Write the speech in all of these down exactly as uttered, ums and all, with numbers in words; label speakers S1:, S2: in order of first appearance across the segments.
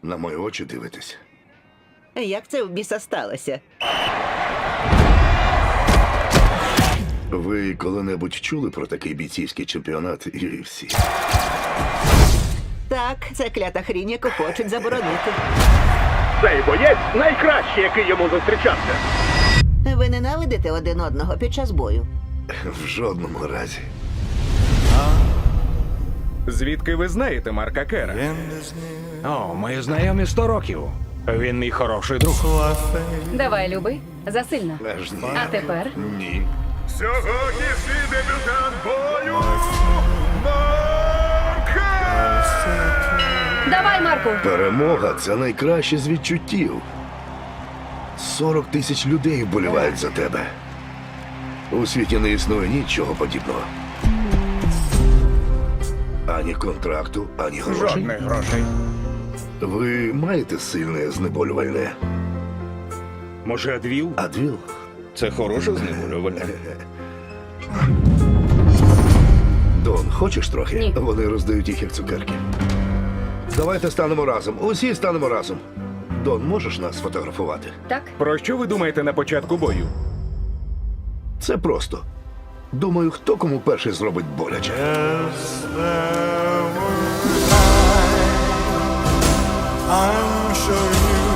S1: На мої очі дивитесь.
S2: Як це в біса сталося?
S1: Ви коли-небудь чули про такий бійцівський чемпіонат ю еф сі?
S2: Так, це клята хрінь, яку хочуть заборонити.
S3: Цей боєць найкращий, який йому зустрічався.
S2: Ви ненавидите один одного під час бою?
S1: В жодному разі.
S4: Звідки ви знаєте Марка Кера? О, ми знайомі сто років. Він мій хороший друг.
S5: Давай, любий, засильно.
S1: Аж ні.
S5: А тепер
S1: Ні.
S3: Сьогоднішній дебютант бою Марка!
S5: давай, Марку.
S1: Перемога – це найкраще з відчуттів. сорок тисяч людей вболівають за тебе. У світі не існує нічого подібного. Ані контракту, ані грошей.
S4: Жодних грошей.
S1: Ви маєте сильне знеболювальне?
S6: Може, Адвіл?
S1: Адвіл?
S6: Це хороше знеболювальне.
S1: Дон, хочеш трохи?
S5: Ні.
S1: Вони роздають їх як цукерки. Давайте станемо разом. Усі станемо разом. Дон, можеш нас сфотографувати?
S5: Так?
S4: Про що ви думаєте на початку бою?
S1: Це просто. Думаю, хто кому перший зробить боляче.
S7: I'm sure you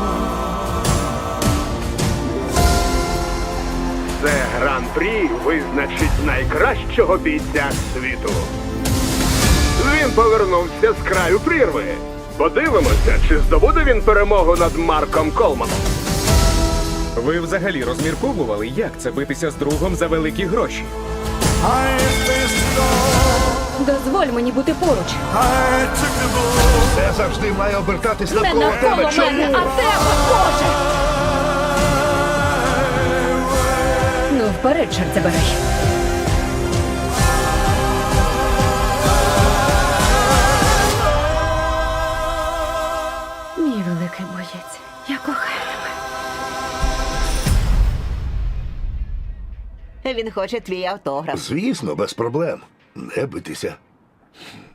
S3: Це гран-прі визначить найкращого бійця світу. Він повернувся з краю прірви. Подивимося, чи здобуде він перемогу над Марком Колманом.
S4: Ви взагалі розмірковували, як це битися з другом за великі гроші?
S7: I faced it all.
S5: Дозволь мені бути поруч.
S7: I took the bull.
S1: Це завжди має обертатись
S5: Не
S1: навколо
S5: навколо
S1: тебе. Чому?
S5: мене, а тебе, Боже! Ну, вперед, чорт забирай. Мій великий боєць, я кохаю тебе.
S2: Він хоче твій автограф.
S1: Звісно, без проблем. Не битися.